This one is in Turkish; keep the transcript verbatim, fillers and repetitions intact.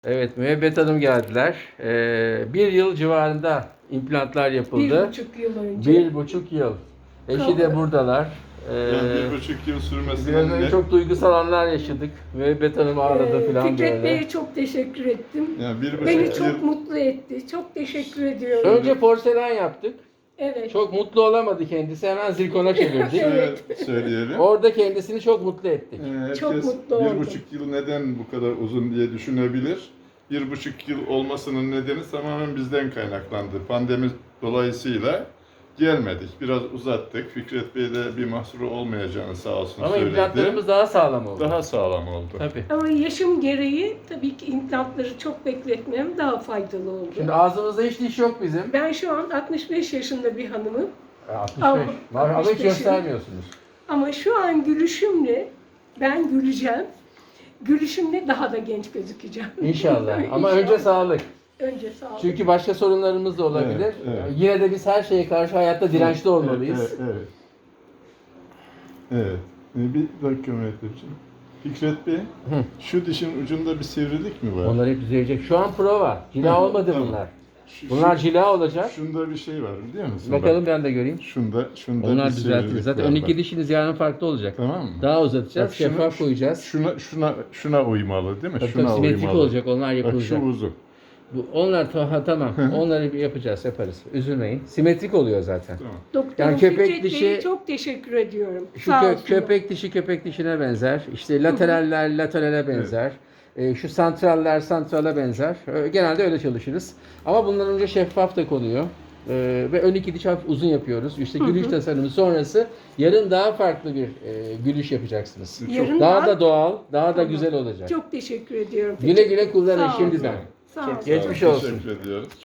Evet, Müebbet Hanım geldiler. Ee, bir yıl civarında implantlar yapıldı. Bir buçuk yıl önce. Bir buçuk yıl. Eşi de buradalar. Ee, Yani bir buçuk yıl biraz sürmesinin önce ne? çok duygusal anlar yaşadık. Müebbet Hanım ağladı Ee, falan Fikret böyle. Bey'e çok teşekkür ettim. Yani bir buçuk Beni yıl çok mutlu etti. Çok teşekkür ediyorum. Önce porselen yaptık. Evet. Çok mutlu olamadı kendisi. Hemen zirkona çevirdik. şöyle söyleyelim. Orada kendisini çok mutlu ettik. Ee, Herkes Çok mutlu bir oldum. buçuk yıl neden bu kadar uzun diye düşünebilir. Bir buçuk yıl olmasının nedeni tamamen bizden kaynaklandı. Pandemi dolayısıyla gelmedik. Biraz uzattık. Fikret Bey de bir mahsuru olmayacağını sağ olsun Ama söyledi. implantlarımız daha sağlam oldu. Daha sağlam oldu. Tabii. Ama yaşım gereği tabii ki implantları çok bekletmem daha faydalı oldu. Şimdi ağzımızda hiç diş yok bizim. Ben şu an altmış beş yaşında bir hanımım. E, altmış beş. Ama- Ama hiç altmış beşim. göstermiyorsunuz. Ama şu an gülüşümle ben güleceğim. Gülüşümle daha da genç gözükeceğim. İnşallah. Ama İnşallah. önce sağlık. Önce sağlık. Çünkü başka sorunlarımız da olabilir. Evet, evet. Yine de biz her şeye karşı hayatta dirençli olmalıyız. Evet, evet. Evet. evet. Ee, Bir dakika Mehmetciğim. Fikret Bey, Hı. şu dişin ucunda bir sivrilik mi var? Onlar hep düzelecek. Şu an prova. Cila Hı, olmadı tamam. bunlar. Şu- Bunlar şu- cila olacak. Şunda bir şey var biliyor musun? Bakalım Bak, ben de göreyim. şunda, şunda Onlar bir düzeltilir. sivrilik Zaten var ön iki bak. dişiniz yarın farklı olacak. Tamam mı? Daha uzatacağız. Bak şunu- Şeffaf koyacağız. Şuna, şuna, şuna uymalı değil mi? Tabii şuna tabii simetrik uymalı. olacak. Onlar Bak şu yapılacak. uzun. Bu, onlar ta- ha, tamam. Onları bir yapacağız, yaparız. Üzülmeyin. Simetrik oluyor zaten. Tamam. Doktor Yani köpek Fikret dişi- Bey'e çok teşekkür ediyorum. Şu Sağ kö- olsun. köpek dişi köpek dişine benzer. İşte lateraller laterale benzer. Ee, şu santraller santrala benzer. Ee, genelde öyle çalışırız. Ama bundan önce şeffaf da konuyor. Ee, ve ön iki diş hafif uzun yapıyoruz. İşte gülüş tasarımı sonrası yarın daha farklı bir e, gülüş yapacaksınız. Yarın Daha daha- da doğal, daha da Tamam. güzel olacak. Çok teşekkür ediyorum. Güle güle kullanın Sağ olun. şimdiden. Sağ olun. Geçmiş Sağ olun, olsun. Teşekkür ediyoruz.